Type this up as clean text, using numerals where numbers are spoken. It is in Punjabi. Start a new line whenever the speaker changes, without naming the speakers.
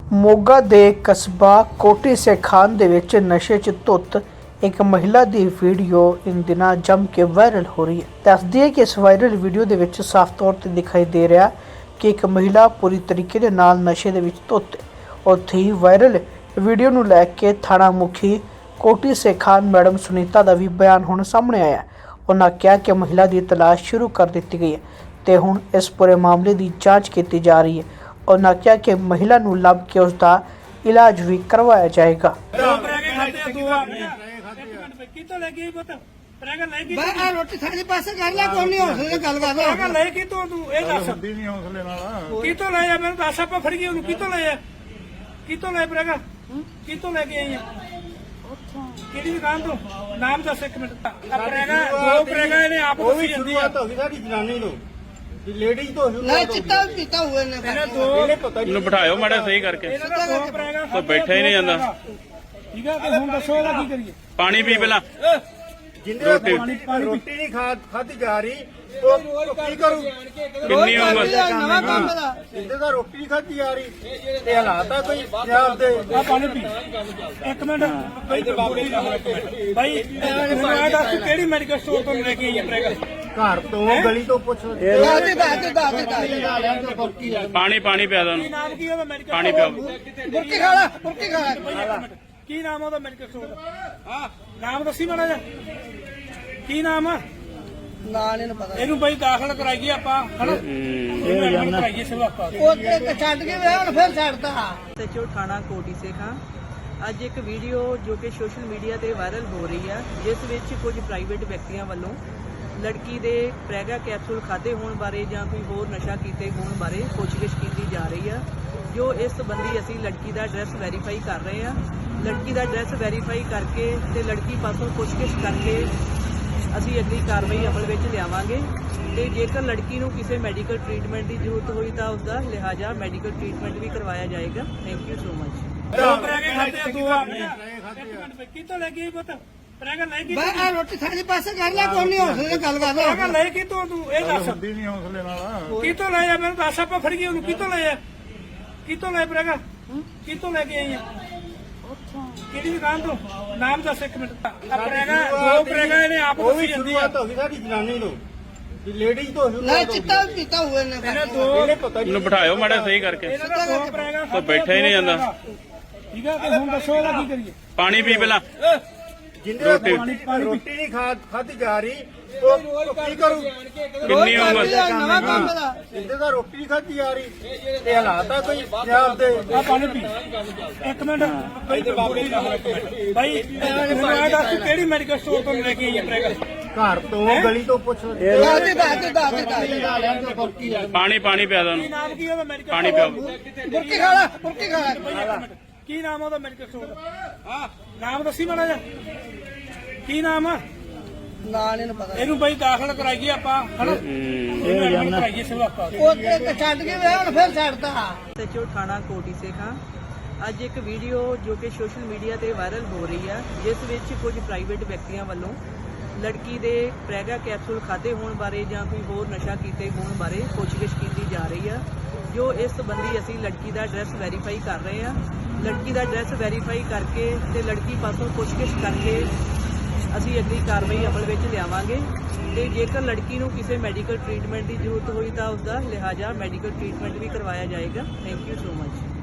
ਮੋਗਾ ਦੇ ਕਸਬਾ ਕੋਟੀ ਸੇਖਾਨ ਦੇ ਵਿੱਚ ਨਸ਼ੇ 'ਚ ਧੁੱਤ ਇੱਕ ਮਹਿਲਾ ਦੀ ਵੀਡੀਓ ਇਨ ਦਿਨਾਂ ਜੰਮ ਕੇ ਵਾਇਰਲ ਹੋ ਰਹੀ ਹੈ। ਦੱਸਦੀ ਹੈ ਕਿ ਇਸ ਵਾਇਰਲ ਵੀਡੀਓ ਦੇ ਵਿੱਚ ਸਾਫ਼ ਤੌਰ ਤੇ ਦਿਖਾਈ ਦੇ ਰਿਹਾ ਕਿ ਇੱਕ ਮਹਿਲਾ ਪੂਰੀ ਤਰੀਕੇ ਦੇ ਨਾਲ ਨਸ਼ੇ ਦੇ ਵਿੱਚ ਧੁੱਤ ਹੈ। ਉੱਥੇ ਹੀ ਵਾਇਰਲ ਵੀਡੀਓ ਨੂੰ ਲੈ ਕੇ ਥਾਣਾ ਮੁਖੀ ਕੋਟੀ ਸੇਖਾਨ ਮੈਡਮ ਸੁਨੀਤਾ ਦਾ ਵੀ ਬਿਆਨ ਹੁਣ ਸਾਹਮਣੇ ਆਇਆ। ਉਹਨਾਂ ਕਿਹਾ ਕਿ ਮਹਿਲਾ ਦੀ ਤਲਾਸ਼ ਸ਼ੁਰੂ ਕਰ ਦਿੱਤੀ ਗਈ ਹੈ ਤੇ ਹੁਣ ਇਸ ਪੂਰੇ ਮਾਮਲੇ ਦੀ ਜਾਂਚ ਕੀਤੀ ਜਾ ਰਹੀ ਹੈ। ਉਹਨਾਂ ਕਿਹਾ ਕਿ ਮਹਿਲਾ ਨੂੰ ਲੱਭ ਕੇ ਉਸ ਦਾ ਇਲਾਜ ਵੀ ਕਰਵਾਇਆ ਜਾਏਗਾ।
ਰੋਟੀ ਸਾਡੀ ਪਾਸੇ ਕਰ ਲੈ, ਕੋਈ ਨਹੀਂ ਹੌਸਲੇ ਨਾਲ ਗੱਲ ਕਰ ਲੈ।
ਲੈ ਕਿਤੋਂ ਤੂੰ ਇਹ ਦੱਸ
ਹੁੰਦੀ ਨਹੀਂ ਹੌਸਲੇ ਨਾਲ।
ਕਿਤੋਂ ਲੈ ਆ ਮੈਨੂੰ ਦੱਸ, ਆਪਾਂ ਫੜ ਗਏ ਉਹਨੂੰ। ਕਿਤੋਂ ਲੈ ਆ, ਕਿਤੋਂ ਲੈ ਪ੍ਰੇਗਾ, ਕਿਤੋਂ ਲੈ ਕੇ ਆਈ ਆ, ਕਿਹੜੀ ਦੁਕਾਨ ਤੋਂ? ਨਾਮ ਦੱਸ ਇੱਕ ਮਿੰਟ। ਪ੍ਰੇਗਾ ਦੋ ਪ੍ਰੇਗਾ ਇਹਨੇ ਆਪ
ਉਹ ਵੀ ਸ਼ੁਰੂਆਤ ਹੋ ਗਈ ਸਾਡੀ ਜਨਾਨੀ ਨੂੰ, ਲੇਡੀਜ਼ ਤੋਂ
ਨਹੀਂ ਚਿੱਟਾ ਪੀਤਾ ਹੋਏ ਨੇ।
ਇਹਨਾਂ ਦੋ
ਇਹਨੂੰ ਬਿਠਾਇਓ ਮਾੜਾ ਸਹੀ ਕਰਕੇ।
ਇਹਨਾਂ ਦਾ ਦੋ ਪ੍ਰੇਗਾ
ਤਾਂ ਬੈਠਾ ਹੀ ਨਹੀਂ ਜਾਂਦਾ।
ਠੀਕ ਆ, ਤੇ ਹੁਣ ਦੱਸੋ ਇਹਦਾ ਕੀ ਕਰੀਏ?
ਪਾਣੀ ਪੀ ਪਹਿਲਾਂ।
ਜਿੰਦੇ ਰੋਟੀ ਨਹੀਂ ਖਾਧੀ ਜਾ ਰਹੀ ਉਹ ਕੀ ਕਰੂ?
ਕਿੰਨੀ ਉਮਰ?
ਨਵਾਂ ਕੰਮ ਦਾ
ਜਿੰਦੇ ਦਾ ਰੋਟੀ ਨਹੀਂ ਖਾਧੀ ਜਾ ਰਹੀ ਤੇ ਹਾਲਾਤ ਆ ਕੋਈ ਪੰਜਾਬ ਦੇ।
ਆ ਪਾਣੀ ਪੀ ਇੱਕ ਮਿੰਟ ਭਾਈ। ਭਾਈ ਮੈਨੂੰ ਇਹ ਦੱਸ ਤੂੰ ਕਿਹੜੀ ਮੈਡੀਕਲ ਸਟੋਰ ਤੋਂ ਲੈ ਕੇ ਆਈ ਹੈ ਪ੍ਰੇਗਾ?
ਘਰ ਤੋਂ ਗਲੀ ਤੋਂ ਪੁੱਛ।
ਪਾਣੀ ਪਿਆ ਦੋ
ਕੀ ਨਾਮ ਕੀ ਉਹਦਾ ਮੈਡੀਕਲ?
ਪਾਣੀ ਪਿਆਓ।
ਬੁਰਕੀ ਖਾ ਲੈ, ਬੁਰਕੀ ਖਾ ਲੈ।
ਕੀ ਨਾਮ ਉਹਦਾ ਮੈਡੀਕਲ ਸਟੋਰ ਦਾ? ਹਾਂ ਨਾਮ ਦੱਸੀ ਮਾੜਾ ਜਿਹਾ, ਕੀ ਨਾਮ ਆ?
ਨਾ ਨਹੀਂ ਪਤਾ।
ਇਹਨੂੰ ਬਈ ਦਾਖਲ ਕਰਾਈਏ ਆਪਾਂ, ਹਨਾ? ਇਹਨੂੰ ਐਡਮਿਟ ਕਰਾਈਏ ਸਿਵਲ ਹਸਪਤਾਲ।
ਉਹ ਤੇ ਛੱਡ ਕੇ ਵੇ ਹੁਣ ਫਿਰ ਛੱਡਦਾ।
ਸਚੋ ਥਾਣਾ ਕੋਟੀ ਸੇਖਾਂ ਅੱਜ ਇੱਕ ਵੀਡੀਓ ਜੋ ਕਿ ਸੋਸ਼ਲ ਮੀਡੀਆ ਤੇ ਵਾਇਰਲ ਹੋ ਰਹੀ ਹੈ, ਜਿਸ ਵਿੱਚ ਕੁਝ ਪ੍ਰਾਈਵੇਟ ਵਿਅਕਤੀਆਂ ਵੱਲੋਂ ਲੜਕੀ ਦੇ ਪ੍ਰੈਗਾ ਕੈਪਸੂਲ ਖਾਦੇ ਹੋਣ ਬਾਰੇ ਜਾਂ ਕੋਈ ਹੋਰ ਨਸ਼ਾ ਕੀਤੇ ਹੋਣ ਬਾਰੇ ਪੁੱਛਗਿੱਛ ਕੀਤੀ ਜਾ ਰਹੀ ਹੈ। ਜੋ ਇਸ ਸੰਬੰਧੀ ਅਸੀਂ ਲੜਕੀ ਦਾ ਐਡਰੈਸ ਵੈਰੀਫਾਈ ਕਰ ਰਹੇ ਹਾਂ। ਲੜਕੀ ਦਾ ਐਡਰੈਸ ਵੈਰੀਫਾਈ ਕਰਕੇ ਤੇ ਲੜਕੀ ਪਾਸੋਂ ਪੁੱਛਗਿੱਛ ਕਰਕੇ ਅਸੀਂ ਅਗਲੀ ਕਾਰਵਾਈ ਅਮਲ ਵਿੱਚ ਲਿਆਵਾਂਗੇ ਤੇ ਜੇਕਰ ਲੜਕੀ ਨੂੰ ਕਿਸੇ ਮੈਡੀਕਲ ਟ੍ਰੀਟਮੈਂਟ ਦੀ ਜ਼ਰੂਰਤ ਹੋਈ ਤਾਂ ਉਸ ਦਾ ਲਿਹਾਜ਼ਾ ਮੈਡੀਕਲ ਟ੍ਰੀਟਮੈਂਟ ਵੀ ਕਰਵਾਇਆ ਜਾਏਗਾ। Thank you so much.
ਦੋ ਪ੍ਰੈਗੇ ਖਾਦੇ ਆ, ਦੋ ਆਪਣੇ। ਕਿਤੋਂ ਲੈ ਕੇ ਆਈ ਪੁੱਤ? ਪ੍ਰੈਗਾ ਲੈ ਕੇ
ਬਈ ਰੋਟੀ ਸਾਡੀ ਪਾਸੇ ਕਰ ਲੈ, ਕੋਈ ਨਹੀਂ ਹੌਸਲੇ ਨਾਲ ਗੱਲ ਕਰ
ਪ੍ਰੈਗਾ ਲੈ ਕਿਤੋਂ ਤੂੰ ਇਹ ਦੱਸ।
ਹੁੰਦੀ ਨਹੀਂ ਹੌਸਲੇ ਨਾਲ।
ਕਿਤੋਂ ਲੈ ਆ ਮੈਨੂੰ ਦੱਸ, ਆਪਾਂ ਫੜ ਗਏ ਉਹਨੂੰ। ਕਿਤੋਂ ਲੈ ਆ, ਕਿਤੋਂ ਲੈ ਪ੍ਰੇਗਾ, ਕਿਤੋਂ ਲੈ ਕੇ ਆਈ ਆ, ਕਿਹੜੀ ਦੁਕਾਨ ਤੋਂ? ਨਾਮ ਦੱਸ ਇੱਕ ਮਿੰਟ। ਪ੍ਰੇਗਾ ਦੋ ਪ੍ਰੇਗਾ ਇਹਨੇ ਆਪ
ਉਹ ਵੀ ਸ਼ੁਰੂਆਤ ਹੋ ਗਈ ਸਾਡੀ ਜਨਾਨੀ ਨੂੰ, ਲੇਡੀਜ਼ ਤੋਂ
ਨਹੀਂ ਚਿੱਟਾ ਪੀਤਾ ਹੋਏ ਨੇ।
ਇਹਨਾਂ ਦੋ
ਇਹਨੂੰ ਬਿਠਾਇਓ ਮਾੜਾ ਸਹੀ ਕਰਕੇ।
ਇਹਨਾਂ ਦਾ ਦੋ ਪ੍ਰੇਗਾ
ਤਾਂ ਬੈਠਾ ਹੀ ਨਹੀਂ ਜਾਂਦਾ।
ਠੀਕ ਆ, ਤੇ ਹੁਣ ਦੱਸੋ ਇਹਦਾ ਕੀ ਕਰੀਏ?
ਪਾਣੀ ਪੀ ਪਹਿਲਾਂ।
ਜਿੰਦੇ ਰੋਟੀ ਨਹੀਂ ਖਾਧੀ ਜਾ ਰਹੀ ਉਹ ਕੀ ਕਰੂ?
ਕਿੰਨੀ ਉਮਰ?
ਨਵਾਂ ਕੰਮ ਦਾ
ਜਿੰਦੇ ਦਾ ਰੋਟੀ ਨਹੀਂ ਖਾਧੀ ਜਾ ਰਹੀ ਤੇ ਹਾਲਾਤ ਆ ਕੋਈ ਪੰਜਾਬ ਦੇ।
ਆ ਪਾਣੀ ਪੀ ਇੱਕ ਮਿੰਟ ਭਾਈ। ਭਾਈ ਮੈਨੂੰ ਇਹ ਦੱਸ ਤੂੰ ਕਿਹੜੀ ਮੈਡੀਕਲ ਸਟੋਰ ਤੋਂ ਲੈ ਕੇ ਆਈ ਹੈ ਪ੍ਰੇਗਾ?
ਘਰ ਤੋਂ ਗਲੀ ਤੋਂ ਪੁੱਛ।
ਪਾਣੀ ਪਿਆ ਦੋ
ਕੀ ਨਾਮ ਕੀ ਉਹਦਾ ਮੈਡੀਕਲ?
ਪਾਣੀ ਪਿਆਓ।
ਬੁਰਕੀ ਖਾ ਲੈ, ਬੁਰਕੀ ਖਾ ਲੈ।
ਕੀ ਨਾਮ ਉਹਦਾ ਮੈਡੀਕਲ ਸਟੋਰ ਦਾ? ਹਾਂ ਨਾਮ ਦੱਸੀ ਮਾੜਾ ਜਿਹਾ, ਕੀ ਨਾਮ ਆ?
ਨਾ ਨਹੀਂ ਪਤਾ।
ਇਹਨੂੰ ਬਈ ਦਾਖਲ ਕਰਾਈਏ ਆਪਾਂ, ਹਨਾ? ਇਹਨੂੰ ਐਡਮਿਟ ਕਰਾਈਏ ਸਿਵਲ ਹਸਪਤਾਲ।
ਉਹ ਤੇ ਛੱਡ ਕੇ ਵੇ ਹੁਣ ਫਿਰ ਛੱਡਦਾ।
ਸਚੋ ਥਾਣਾ ਕੋਟੀ ਸੇਖਾਂ ਅੱਜ ਇੱਕ ਵੀਡੀਓ ਜੋ ਕਿ ਸੋਸ਼ਲ ਮੀਡੀਆ ਤੇ ਵਾਇਰਲ ਹੋ ਰਹੀ ਹੈ, ਜਿਸ ਵਿੱਚ ਕੁਝ ਪ੍ਰਾਈਵੇਟ ਵਿਅਕਤੀਆਂ ਵੱਲੋਂ ਲੜਕੀ ਦੇ ਪ੍ਰੈਗਾ ਕੈਪਸੂਲ ਖਾਦੇ ਹੋਣ ਬਾਰੇ ਜਾਂ ਕੋਈ ਹੋਰ ਨਸ਼ਾ ਕੀਤੇ ਹੋਣ ਬਾਰੇ ਪੁੱਛਗਿੱਛ ਕੀਤੀ ਜਾ ਰਹੀ ਹੈ। ਜੋ ਇਸ ਸੰਬੰਧੀ ਅਸੀਂ ਲੜਕੀ ਦਾ ਐਡਰੈਸ ਵੈਰੀਫਾਈ ਕਰ ਰਹੇ ਹਾਂ। ਲੜਕੀ ਦਾ ਐਡਰੈਸ ਵੈਰੀਫਾਈ ਕਰਕੇ ਤੇ ਲੜਕੀ ਪਾਸੋਂ ਪੁੱਛਗਿੱਛ ਕਰਕੇ ਅਸੀਂ ਅਗਲੀ ਕਾਰਵਾਈ ਅਮਲ ਵਿੱਚ ਲਿਆਵਾਂਗੇ ਤੇ ਜੇਕਰ ਲੜਕੀ ਨੂੰ ਕਿਸੇ ਮੈਡੀਕਲ ਟ੍ਰੀਟਮੈਂਟ ਦੀ ਜ਼ਰੂਰਤ ਹੋਈ ਤਾਂ ਉਸ ਦਾ ਲਿਹਾਜ਼ਾ ਮੈਡੀਕਲ ਟ੍ਰੀਟਮੈਂਟ ਵੀ ਕਰਵਾਇਆ ਜਾਏਗਾ। Thank you so much.